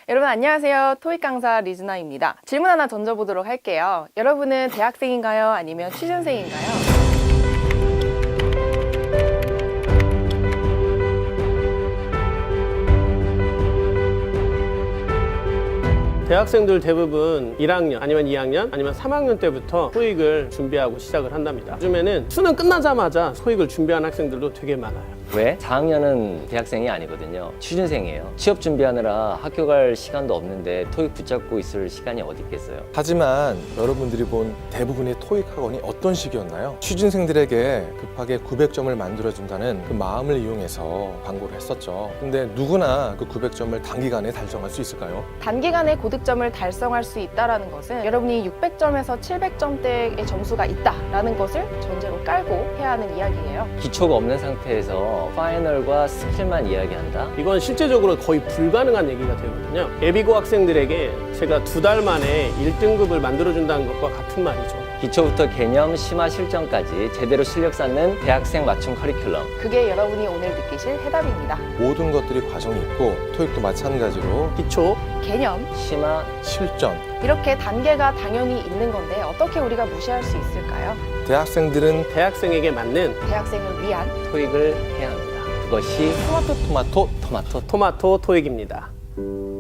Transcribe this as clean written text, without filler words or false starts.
여러분 안녕하세요. 토익 강사 리즈나입니다. 질문 하나 던져보도록 할게요. 여러분은 대학생인가요? 아니면 취준생인가요? 대학생들 대부분 1학년 아니면 2학년 아니면 3학년 때부터 토익을 준비하고 시작을 한답니다. 요즘에는 수능 끝나자마자 토익을 준비하는 학생들도 되게 많아요. 왜? 4학년은 대학생이 아니거든요. 취준생이에요. 취업 준비하느라 학교 갈 시간도 없는데 토익 붙잡고 있을 시간이 어디 있겠어요. 하지만 여러분들이 본 대부분의 토익 학원이 어떤 식이었나요? 취준생들에게 급하게 900점을 만들어준다는 그 마음을 이용해서 광고를 했었죠. 근데 누구나 그 900점을 단기간에 달성할 수 있을까요? 단기간에 고득점을 달성할 수 있다는 것은 여러분이 600점에서 700점대의 점수가 있다라는 것을 전제로 깔고 해야 하는 이야기예요. 기초가 없는 상태에서 파이널과 스킬만 이야기한다? 이건 실제적으로 거의 불가능한 얘기가 되거든요. 예비고 학생들에게 제가 2달 만에 1등급을 만들어준다는 것과 같은 말이죠. 기초부터 개념, 심화, 실전까지 제대로 실력 쌓는 대학생 맞춤 커리큘럼. 그게 여러분이 오늘 느끼실 해답입니다. 모든 것들이 과정이 있고 토익도 마찬가지로 기초, 개념, 심화, 실전. 이렇게 단계가 당연히 있는 건데 어떻게 우리가 무시할 수 있을까요? 대학생들은 대학생에게 맞는 대학생을 위한 토익을 해야 합니다. 그것이 토마토 토마토 토마토 토익입니다.